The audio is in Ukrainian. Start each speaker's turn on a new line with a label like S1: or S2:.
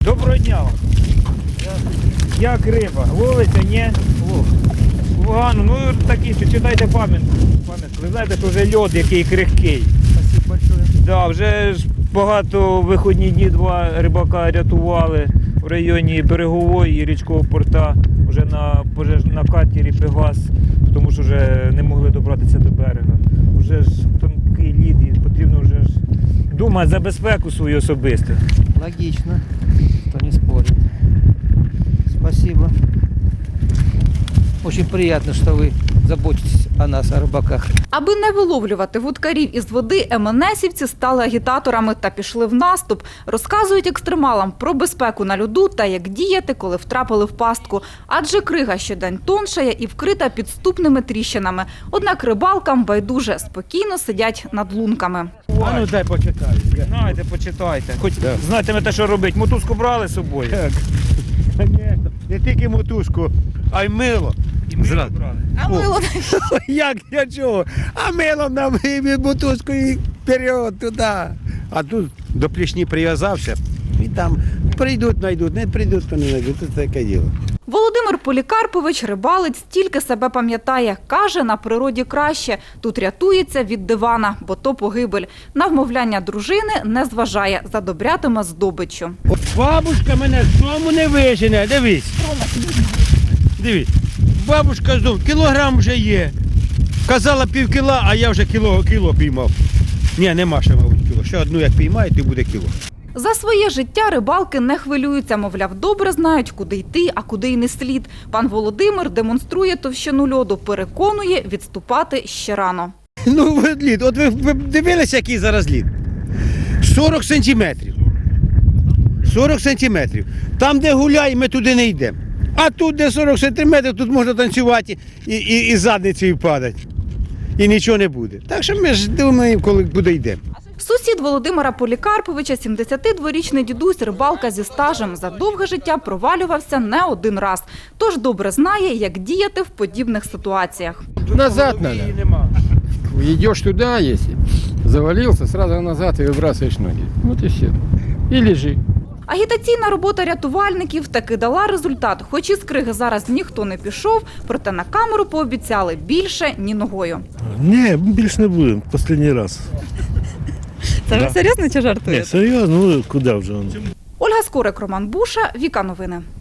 S1: Доброго дня вам. Як риба? Ловиться, ні? Погано, ну такі, читайте пам'ятку. Ви знаєте, що вже льод який крихкий.
S2: Спасибо большое.
S1: Да, вже ж багато виходні дні два рибака рятували в районі Берегової і річкового порта, вже на катері Пегас, тому що вже не могли добратися до берега. Вже ж тонкий лід і потрібно вже ж думати за безпеку свою особисту.
S2: Логично, кто не спорит. Спасибо. Очень приятно, что вы заботитесь о нас, о рыбаках.
S3: Аби не виловлювати вудкарів із води, МНСівці стали агітаторами та пішли в наступ. Розказують екстремалам про безпеку на льоду та як діяти, коли втрапили в пастку. Адже крига щодень тоншає і вкрита підступними тріщинами. Однак рибалкам байдуже спокійно сидять над лунками.
S4: А ну дай почитаю.
S1: Знаєте, почитайте. Хоч знатимете, що робити. Мотузку брали з собою?
S4: Так. Конечно. Не тільки мотузку, а й мило.
S1: І ми
S4: Зразу.
S1: брали.
S3: А мило
S4: Як для чого? А мило нам і мотузку і вперед туди. А тут до плішні прив'язався і там прийдуть, знайдуть, не прийдуть, то не знайдуть. Це таке діло.
S3: Володимир Полікарпович, рибалець, тільки себе пам'ятає. Каже, на природі краще. Тут рятується від дивана, бо то погибель. На вмовляння дружини не зважає, задобрятиме здобиччю.
S4: Бабушка мене з дому не вижене, дивись. Дивись. Бабушка з дому, кілограм вже є. Казала півкіла, а я вже кіло піймав. Ні, нема ще, мабуть, кіло. Ще одну як піймаю, то буде кіло.
S3: За своє життя рибалки не хвилюються, мовляв, добре знають, куди йти, а куди й не слід. Пан Володимир демонструє товщину льоду, переконує, відступати ще рано.
S4: Ну, лід, от ви дивилися, який зараз лід? 40 сантиметрів. 40 сантиметрів. Там, де гуляє, ми туди не йдемо. А тут, де 40 сантиметрів, тут можна танцювати і задницею падати. І нічого не буде. Так що ми ж думаємо, коли буде йдемо.
S3: Сусід Володимира Полікарповича, 72-річний дідусь, рибалка зі стажем, за довге життя провалювався не один раз. Тож добре знає, як діяти в подібних ситуаціях.
S5: Назад надо.
S1: Її нема.
S5: Идешь туда, если завалился, сразу назад и выбрасываешь ноги. Вот и все. И лежи.
S3: Агітаційна робота рятувальників таки дала результат. Хоч із криги зараз ніхто не пішов, проте на камеру пообіцяли більше ні ногою.
S6: Ні, більше не будемо, останній раз.
S3: Це ви серйозно чи жартуєте?
S6: Ні, серйозно, ну куди вже?
S3: Ольга Скорик, Роман Буша, Віка Новини.